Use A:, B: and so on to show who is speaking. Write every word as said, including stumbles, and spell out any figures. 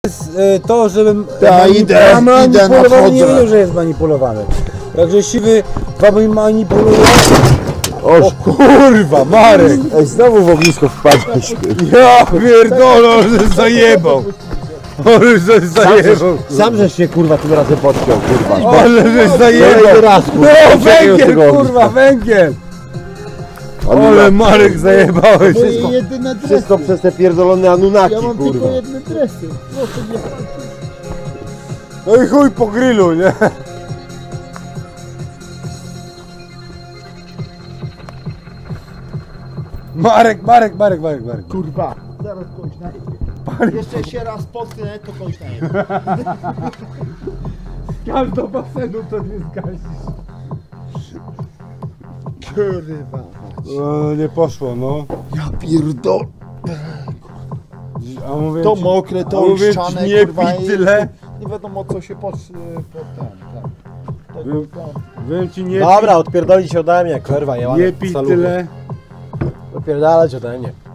A: To, żebym
B: Ta, idę, idę,
A: manipulowany, nie
B: nadchodzę.
A: wiem, że jest manipulowany. Także siwy wami manipuluje.
B: O
A: Kurwa, Marek!
B: Ej, znowu w ognisko wpadłeś.
A: Ja pierdolę, że zajebał! Ale że zajebał!
B: Sam żeś się kurwa tym razem podciął, kurwa.
A: Ale że
B: Kolejny
A: zajebał!
B: raz, kurwa.
A: No
B: Uciekaj od
A: węgiel,
B: tego
A: kurwa,
B: ogniska.
A: węgiel! Ale Marek zajebałeś
C: Moje
A: wszystko!
C: jedyne dresy.
B: Wszystko przez te pierdolone Anunnaki,
C: Ja mam
B: kurwa.
C: tylko jedne dresy. Proszę nie patrzeć.
A: No i chuj po grillu, nie? Marek, Marek, Marek, Marek, Marek.
C: Kurwa, zaraz kogoś najebie. Jeszcze się raz potknę, to kogoś najebie.
A: Skacz do basenu, to nie zgasisz.
C: Kurwa.
A: No, nie poszło, no.
C: Ja pierdol.
A: A mówię
C: To
A: ci,
C: mokre,
A: a
C: to
A: mówię ci,
C: ściane,
A: nie
C: kurwa.
A: pij
C: i-
A: tyle.
C: Nie wiadomo co się pod, pod ten, tak. Tego,
A: Wiem, wiem ci, nie
D: Dobra, odpierdolić ode mnie, kurwa, ja
A: pij, nie pij tyle.
D: Odpierdalać ode mnie.